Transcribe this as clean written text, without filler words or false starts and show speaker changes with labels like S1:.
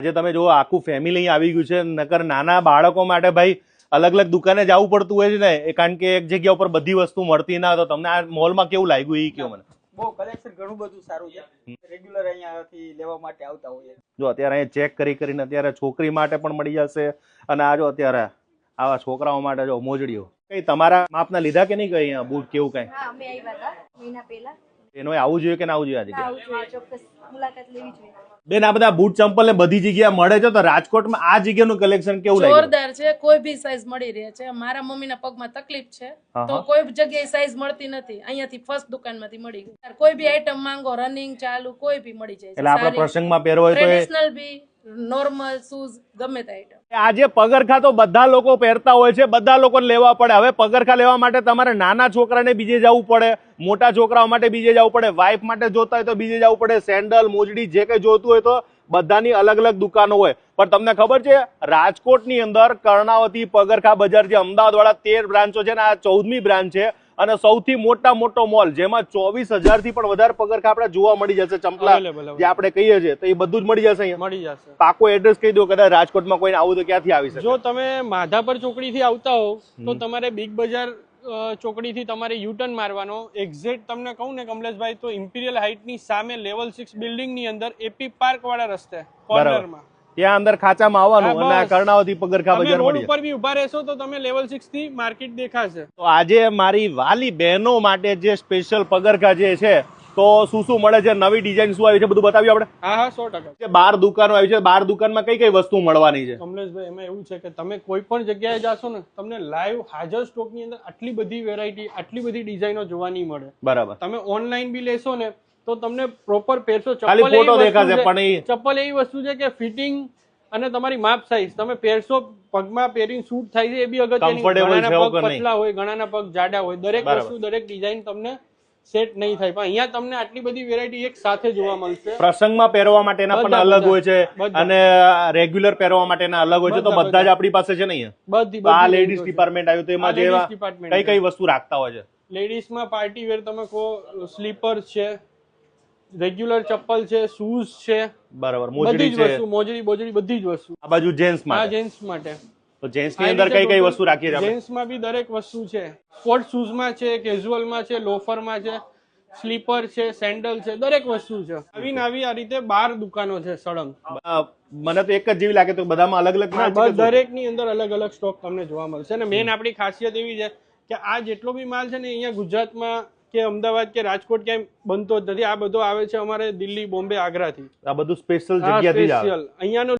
S1: આજે તમે જો આખું ફેમિલી આવી ગયું છે, નકર નાના બાળકો માટે ભાઈ અલગ અલગ દુકાને જવું પડતું હોય છે ને, કારણ કે એક જગ્યા ઉપર બધી વસ્તુ મળતી ના. તો તમને આ મોલમાં કેવું લાગ્યું એ કયો મને.
S2: બહુ કલેક્શન ઘણું બધું સારું છે, રેગ્યુલર અહીંયાથી લેવા માટે આવતા હોઈએ.
S1: જો અત્યારે અહીંયા ચેક કરીને અત્યારે છોકરી માટે પણ મળી જશે, અને આ જો અત્યારે આવા છોકરાઓ માટે જો મોજડીઓ. કઈ તમારા માપના લીધા કે નહીં કઈ અહીંયા બૂટ કેવું કઈ?
S3: હા, અમે આવ્યા હતા મહિના પહેલા.
S1: એનો આવવું જોઈએ કે ના આવવું જોઈએ? આજે
S3: આવવું જોઈએ, ચોક્કસ મુલાકાત લેવી જોઈએ.
S1: બેન, આ બધા બૂટ ચંપલ ને બધી જગ્યાએ મળે છે, તો રાજકોટમાં આ જગ્યાનું કલેક્શન કેવું લાગ્યું?
S4: જોરદાર છે, કોઈ બી સાઈઝ મળી રહે છે. મારા મમ્મીના પગમાં તકલીફ છે તો કોઈ જગ્યાએ સાઈઝ મળતી નથી, અહીંયાથી ફર્સ્ટ દુકાનમાંથી મળી ગઈ. કોઈ બી આઈટમ માંગો, રનિંગ ચાલુ કોઈ બી મળી જાય.
S1: એટલે આપણા પ્રસંગમાં પહેરવો હોય તો
S4: ટ્રેડિશનલ બી, નોર્મલ શૂઝ, ગમે તે આઈટમ.
S1: આજે પગરખા તો બધા લોકો પહેરતા હોય છે, બધા લોકોને લેવા પડે. હવે પગરખા લેવા માટે તમારે નાના છોકરાને બીજે જવું પડે, મોટા છોકરાઓ માટે બીજે જવું પડે, વાઇફ માટે જોતા હોય તો બીજે જવું પડે. સેન્ડલ, મોજડી જે કઈ જોતું હોય તો બધાની અલગ અલગ દુકાનો હોય. પણ તમને ખબર છે, રાજકોટની અંદર કર્ણાવતી પગરખા બજાર જે અમદાવાદ વાળા 13 બ્રાન્ચો છે ને, આ 14મી બ્રાન્ચ છે, અને સૌથી મોટો મોલ, જેમાં 24,000 થી પણ વધારે પગરખા આપણે જોવા મળી જશે. ચંપલા જે આપણે કહીએ છીએ તો એ બધું જ મળી જશે અહીંયા.
S5: મળી જશે.
S1: પાકો એડ્રેસ કહી દો, કદાચ રાજકોટમાં કોઈને આવું તો ક્યાંથી આવી શકે?
S5: જો તમે માધાપર ચોકડી થી આવતા હો તો તમારે બિગ બજાર ચોકડી થી તમારે યુટર્ન મારવાનો. એક્ઝેક્ટ તમને કહું ને કમલેશભાઈ, તો ઇમ્પિરિયલ હાઇટ ની સામે લેવલ 6 બિલ્ડિંગ ની અંદર એપી પાર્ક વાળા રસ્તે કોર્નરમાં,
S1: ત્યાં અંદર ખાંચામાં આવવાનું અને કર્ણાવતી પગરખા બજાર
S5: રોડ
S1: મળી.
S5: ઉપર બી ઉભા રહેશો તો તમે લેવલ 6 થી માર્કેટ દેખાશે.
S1: તો આજે મારી વાલી બહેનો માટે જે સ્પેશિયલ પગરખા જે છે, તો શું શું મળે છે, નવી ડિઝાઇન શું આવી છે, બધું બતાવ્યું આપણે.
S5: હા 100%.
S1: 12 દુકાનો આવી છે. 12 દુકાનમાં કઈ કઈ વસ્તુ મળવાની છે?
S5: કમલેશભાઈ, એમાં એવું છે કે તમે કોઈ પણ જગ્યાએ જાશો ને, તમને લાઈવ હાજર સ્ટોક ની અંદર આટલી બધી વેરાયટી, આટલી બધી ડિઝાઇનો જોવા નહીં મળે.
S1: બરાબર.
S5: તમે ઓનલાઈન બી લેશો ને તો તમને પ્રોપર પહેરશો.
S1: ખાલી ફોટો દેખાશે, પણ
S5: ચપ્પલ એવી વસ્તુ છે કે ફિટિંગ અને તમારી માપ સાઈઝ તમે પહેરશો, પગમાં પહેરીને શૂટ થાય છે, એ બી અગત્યની. ઘણાના પગ પતલા હોય, ઘણાના પગ જાડા હોય, દરેક વસ્તુ, દરેક ડિઝાઇન તમને સેટ નહીં થાય. પણ અહીંયા તમને આટલી બધી વેરાયટી એક સાથે જોવા મળશે.
S1: પ્રસંગમાં પહેરવા માટેના પણ અલગ હોય છે, અને રેગ્યુલર પહેરવા માટેના અલગ હોય છે. તો બધા જ આપણી પાસે છે ને અહીંયા.
S5: બધી
S1: આ લેડીઝ ડિપાર્ટમેન્ટ આવ્યું, તો એમાં જેવા કઈ કઈ વસ્તુ રાખતા હોય છે?
S5: લેડીઝમાં પાર્ટી વેર તમે કહો, સ્લીપર છે, રેગ્યુલર ચપ્પલ છે, શૂઝ છે,
S1: બરાબર,
S5: બધી જ વસ્તુ, મોજડી બોજડી બધી જ વસ્તુ.
S1: આ બાજુ જેન્ટ્સ માટે.
S5: હા, જેન્ટ્સ માટે.
S1: તો જેન્ટ્સ ની અંદર કઈ કઈ વસ્તુ રાખીએ છીએ?
S5: જેન્ટ્સ માં બી દરેક વસ્તુ છે. સ્પોર્ટ શૂઝ માં છે, કેઝ્યુઅલ માં છે, લોફર માં છે, સ્લીપર છે, સેન્ડલ છે, દરેક વસ્તુ છે. આવી ને આવી આ રીતે 12 દુકાનો છે સળંગ.
S1: મને તો એક જ જેવી લાગે, તો બધામાં અલગ અલગ
S5: દરેક ની અંદર અલગ અલગ સ્ટોક તમને જોવા મળશે. અને મેન આપણી ખાસિયત એવી છે કે આ જેટલો બી માલ છે ને, અહીંયા ગુજરાતમાં કે અમદાવાદ કે રાજકોટ ક્યાંય બનતો જ નથી. આ બધો આવે છે અમારે દિલ્હી, બોમ્બે, આગ્રા થી.
S1: આ બધું સ્પેશિયલ જગ્યાથી જ આવે.
S5: અહીંયાનો